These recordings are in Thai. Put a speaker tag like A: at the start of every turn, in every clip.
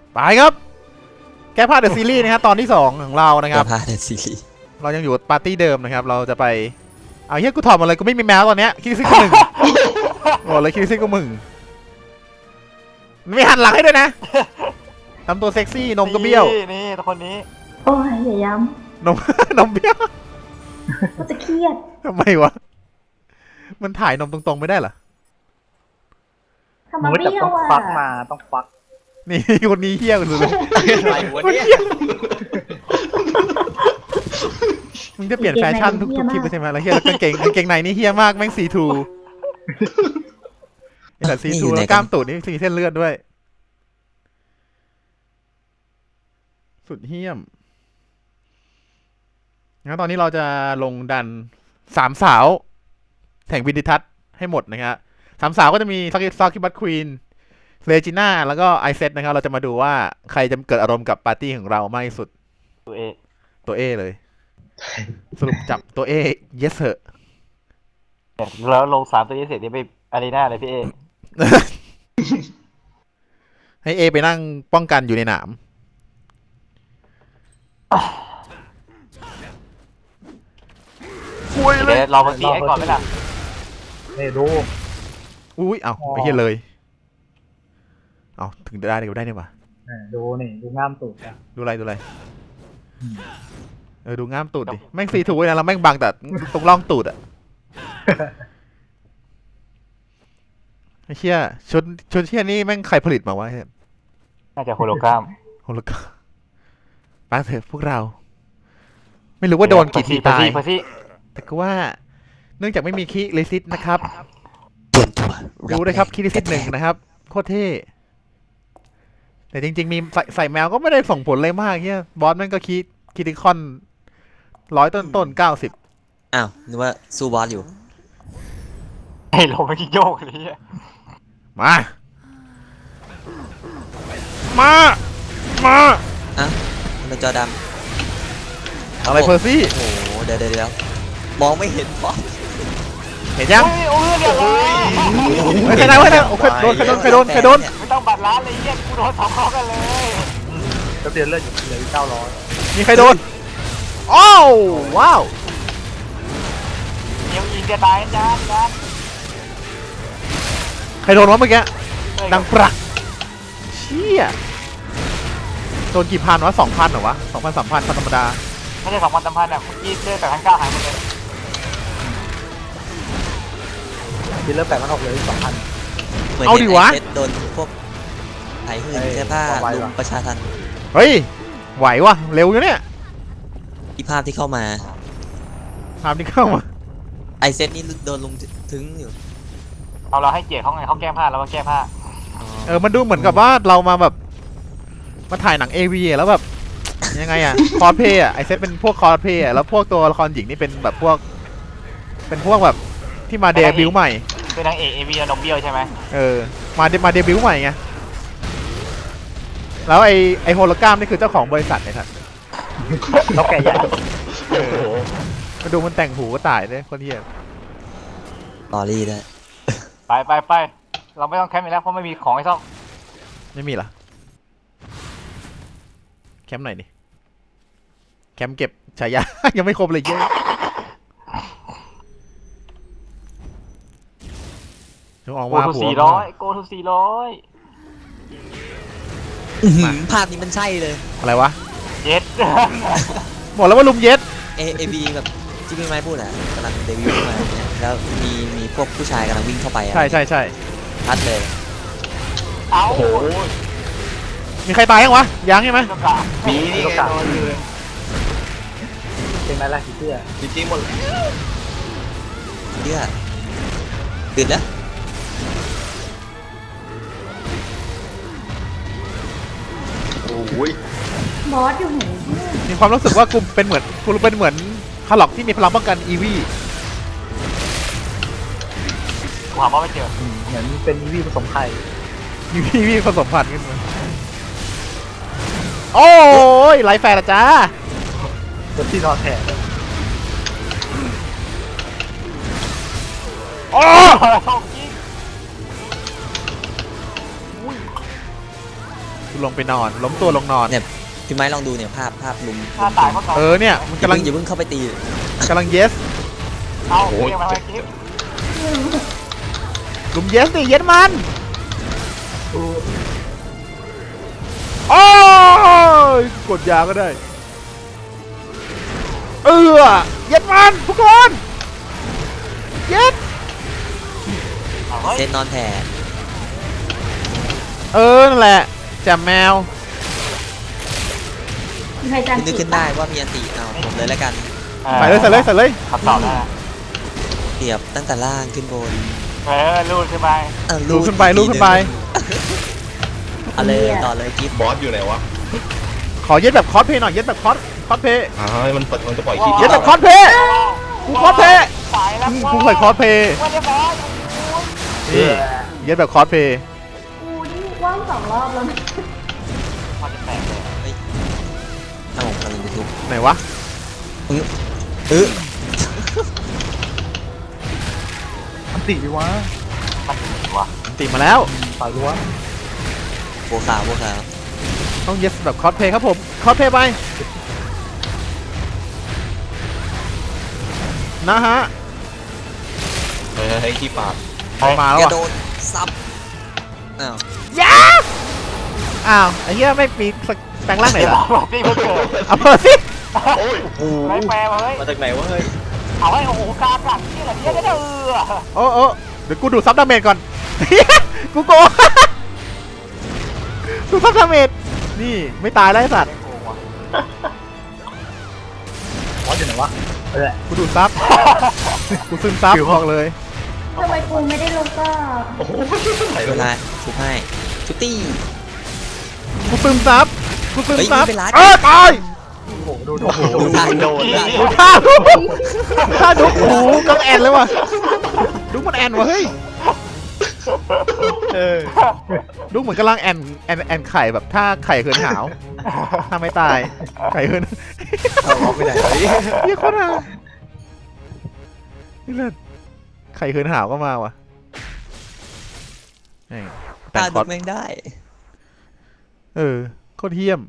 A: ไปครับแก้ผ้าเดอะซีรีส์นะครับตอนที่2ของเรานะครับ
B: แก้ผ้าเดอะซีรีส์
A: เรายังอยู่ปาร์ตี้เดิมนะครับเราจะไปเอาเฮียกูถอดหมดเลยกูไม่มีแมวตอนเนี้ยคิดซิกกูหนึ่งโอ้เลยคิดซิกกูมึงไม่หันหลังให้ด้วยนะทำตัวเซ็กซี่นมก็เบี้ยว
C: นี่คนนี้
D: โอ้ยอย่าย้
A: นม นมเบี้ยว
D: ำก็จะเครียด
A: ทำไมวะมันถ่ายนมตรงๆไม่ได้เหรอ
D: ทำ
C: มึ
D: มาง
C: ก็จะ
D: เบี้ย
C: ต้
D: ว
C: อง
D: อ่ะ
C: ควักมาต้องควัก
A: นี่คนนี้เฮี้ยกันสุดเลย
B: อะไรวะเนี่ย
A: มึงจะเปลี่ยนแฟชั่นทุกคลิปไปใช่ไหมแล้วเฮี้ยแล้วกางเกงในนี่เฮี้ยมากแม่งซีทูแต่ซีทูแล้วกล้ามตูดนี่มีเส้นเลือดด้วยสุดเฮี้ยมงั้นตอนนี้เราจะลงดัน3 สาวแห่งวิดิทัศน์ให้หมดนะครับ3 สาวก็จะมีซากิบัตควีนเลจิน่าแล้วก็ไอเซตนะครับเราจะมาดูว่าใครจะเกิดอารมณ์กับปาร์ตี้ของเรามากที่สุด
C: ตัวเอง
A: ตัวเอเลย สรุปจับตัวเอ yes เหอะ
C: แล้วลง3ตัวนี้เสร็จนี่ไปอารีนาเลยพี่เอ
A: ให้เอไปนั่งป้องกันอยู่ในหนามคุยเลย
C: เดี๋ยวเรามาตีให้ก่อนไหมล่ะ
E: นี่ดู
A: อุ้ยเอาไปเฮียเลยเอาถึงได้ก็ได้เนี่ยว่ะ
E: ดูนี่ดูง่ามตูดอ่ะ
A: ดูอะไรดูง่ามตูดดิแม่งซีถูกนะเราแม่งบังแต่ตรงร่องตูดอะไอ้เชี่ยชุดเชี่ยนี่แม่งใครผลิตมาวะเฮ้ย
C: น่าจะโฮโลกราฟ
A: โหแล้วก็ไปเถอะพวกเรา ไม่รู้ว่าโดนกี่ทีตาย
C: พอสิ
A: แต่ก็ว่าเนื่องจากไม่มีคิเลซิสนะครับ
B: เตรียมตัว
A: รู้นะครับคิเลซิส1นะครับโคตรเท่แต่จริงๆมีใส่แมวก็ไม่ได้ส่งผลเลยมากเฮียบอสมันก็คิติคอนต้น90
B: อ้าวนึกว่าสู้บอสอยู่
C: ไอ้ลงไปที่โยกเลยอ่ะ
A: มา
B: อ่ะทำไมจอดำ
A: อะไรเพอร์ซี่
B: โอ้โหเดี๋ยวมองไม่เห็นบอส
A: เห็นยัง
C: โอ้ยเดี๋ยวเลย
A: ไม่ใช่นะเว้ยนะใครโดนใครโดน
C: ไม่ต้องบัตรร้านเลยเยี่ยกูโดน2 ข้อกันเลย
E: แล้วเดือนเลือดอยู่เหลือ900
A: มีใครโดนอ้าวว้าว
C: เดี๋ยวยิงจะตายจาน
A: ใครโดนวะเมื่อกี้ดังปรักเชี่ยโดนกี่พันวะ2,000เหรอวะ2,000 3,000ธรรมดา
C: ไม่ใช่2,000 3,000อ่ะเมื่อกี้เจอแต่1,900หายหมดเลย
E: เดือนเลือด8,600เหลือ2,000
B: เหมือน
A: เอาดิวะ
B: เห็นไอ้เจ็ดโดนพวกไถหื่นเสื้อผ้า
E: ไว้
B: ลุ
E: วะ
B: มประชาทัน
A: เฮ้ยไหววะเร็วอยู่เนี่ย
B: อีภาพที่เข้ามา
A: ตามที่เข้ามา
B: ไอเซตนี่โดนลุมถึงอยู่
C: เอาเราให้เกียรติเขาไงเขาแก้ผ้าเราก็แก้ผ้า
A: มันดูเหมือนกับว่าเรามาแบบมาถ่ายหนัง AV อะแล้วแบบยังไงอะคอสเพย์อะไอเซตเป็นพวกคอสเพย์อะแล้วพวกตัวละครหญิงนี่เป็นแบบพวกแบบที่มาเดบิวต์ใหม่
C: เป็นนางเอกเอวีนมเบี้ยวใช่ไหม
A: มาเดบิวต์ใหม่ไงแล้วไอโฮโลกรามนี่คือเจ้าของบริษัทไอ้ท่าน
E: เขาแก่ใหญ่
A: มาดูมันแต่งหูก็ตายเลยคนเหี้ย
B: ตอรี่ด้วย
C: ไปเราไม่ต้องแคมป์อีกแล้วเพราะไม่มีของให้ซ่อม
A: ไม่มีเหรอแคมป์ไหนนี่แคมป์เก็บฉายา ยังไม่ครบเลยเยอะจงออก
C: โก
A: มา
C: ทู
A: ผัว
C: 400โกทู400
B: อื้อหือภาพนี้มันใช่เลย
A: อะไรวะ
C: เจ็ด
A: บอกแล้วว่าลุมเย็ด
B: เอบีแบบที่พี่ไม้พูดอ่ะกำลังเดบิวต์ขึ้นมาเนี่ยแล้วมีพวกผู้ชายกำลังวิ่งเข้าไปอ่ะ
A: ใช่
B: ชัดเลย
C: เอา
A: มีใครตายยังวะยังใช่ไหม
C: ตัวกลาง
E: มีนี่ไงนอนอยู่เป็นไรล่ะพี่เตี้ย
B: จริงหมดเดือดตื่นแล้ว
D: บอสอยู่ไหน
A: มีความรู้สึกว่ากูเป็นเหมือนคาร์ล็อกที่มีพลังป้องกันอีวี
C: กูหาว่าไม่เจอ
E: เหมือนเป็นอีวีผสมไข่
A: อีวีผสมพันธุ์กันมาโอ้ยไลฟ์แฟร์ละจ้า
E: ตัวที่นอนแถบ
A: โอ้
C: ชอบจริง
A: รลงไปนอน ล้มตัวลงนอน
B: เนี่ย พี่ไม้ลองดูเนี่ยภาพลุม
C: ถ้าตายก็ตาย
A: เนี่ยมันำลัง
B: อย่ากเพิ่งเข้าไปตี
A: กำลังเยส
C: เอาเรียกมาไว้กิ๊บ
A: ลุมเยสดิเยสมันโอ้ยกดยาก็ได้เย็ดมันทุกคนเย็ด
C: เอาเฮ้ย
B: เซนนอนแผ่
A: นั่นแหละแจมแมว
D: มีใครจาน
B: นึก
D: ผิ
B: ขึ้
D: ด
B: นได้ว่ามีอันติเอาผมเลยแล้วกัน
A: ใส่เลย
C: ขับต่อได้
B: เปรียบตั้งแต่ล่างขึ้นบน
C: ลูดขึ้นไป
A: ลูกขึ้นไป
B: เอาเลยต่อเลยกิฟ
F: บอสอยู่ไหนวะ
A: ขอเย็ดแบบคอสเพย์หน่อยเย็ดแบบคอสเพย์
F: มันจะปล่อยคลิป
A: เย็ดแบบคอสเพย์กูคอสเพย์
C: สายแล้ว
A: กูเคยคอสเพย์
C: ไม่ได้บอส
A: นี่เย็ดแบบคอสเพย์
D: กูนี่ว่าง2 รอบแล้วนะ
C: มันจะแตกเลย
B: ถ้าผมกำลังจะทุบ
A: ไหนวะ
E: อันติดีวะ
A: ติมาแล้ว
E: ต่อยรั้ว
B: บัวขาว
A: ต้องเย็ดแบบคอสเพย์ครับผมคอสเพย์ไปนะฮะ
F: ให้ขี้ปาก
A: มาแล้ว
B: กระ
A: อ่ะ
B: โดดซับอ้าว
A: อ้าวไอ้เหี้ยไม่มีแปลงร่างไหนล่ะ
C: ที่เพิ่งเกิด
A: เอาเปิดสิ
F: โอ้ย
C: ไม่แปลมาเฮ้ย
F: มาจากไหนวะเฮ้ย
C: เอาไว้โอ้โหกากัดนี่แหละเนี่ยได้
A: โอ้เดี๋ยวกูดูซับดาเมจก่อน กูโกง ดูซับดาเมจนี่ไม่ตายแล้วไอ้สัตว์
E: บอสอยู่ไหนวะเออ
A: กูดูซับ กูซึมซับบอกเลย
D: ทำไมกูไม่ได้ลงก็
F: โอ้โหไหน
B: เว
F: วะ
B: ลาชุบให้ชุบตี้
A: กูซึมซับ กูซึมซับ
B: เฮ้ยไม่เป็นไร
A: ตาย
E: โอ้โหดู
B: ดูท่าโดน
A: ดูท่าดูท่าดูโอ้โหกังแอนเลยว่ะดูมันแอนว่ะเฮ้ยดูเหมือนกำลังแอนไข่แบบถ้าไข่เหินหาว ถ้าไม่ตาย ไข่เหิน
B: เอาไปไหนวะ
A: เฮียโคตรห่านี่เลิศไข่เหินหาวก็มาว่ะแม่งแต่
B: ตาง
A: ค
B: ดู
A: อส
B: แม่งได้
A: โคตรเฮี้ยม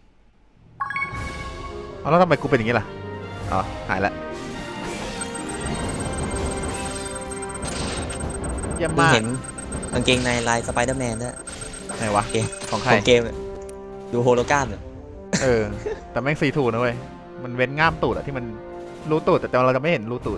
A: เอาแล้วทำไมกูเป็นอย่างนี้ล่ะอ๋อหายละเยี่ยม
B: มึง
A: มาก
B: เห็นกางเกงในลายสไปเดอร์แมนด้วย
A: ไหนวะ
B: เกม
A: ของใคร
B: ของเกมเนี่ยดูโฮโลกรามเนี่ย
A: แต่แม่งซีทูนะเว้ยมันเว้นง่ามตูดอะที่มันรู้ตูดแต่เราจะไม่เห็นรู้ตูด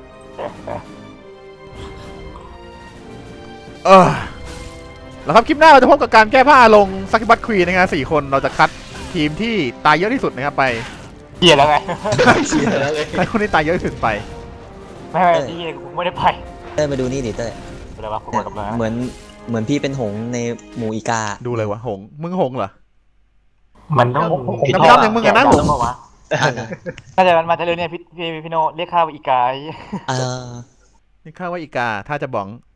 A: แล้วครับคลิปหน้าเราจะพบกับการแก้ผ้าลงซักบัตควีนนะครับ4 คนเราจะคัดทีมที่ตายเยอะที่สุดนะครับไป
C: เกียร์แล้วไง
F: เชียร์แล้วเลย
A: ใครคนที่ตายเยอะที่สุดไป
C: ไม่ที่กูไม่ได้ไป
B: เต้ยมาดูนี่ดิเต้ย
C: อะไรวะกูกดกับเลย
B: เหมือนพี่เป็นหงส์ในหมู่อีกา
A: ดูเลยวะหงมึงหงเหรอ
C: มันต้อง
A: ดำๆอย่างมึงอะนะ
C: ต้องบอกว่าถ้าจะมันมาจะเรื่องเนี่ยพี่โนเรียกข้าวอีกาย
B: เออ
A: นี่ข้าว่าอีกาถ้าจะบ้อง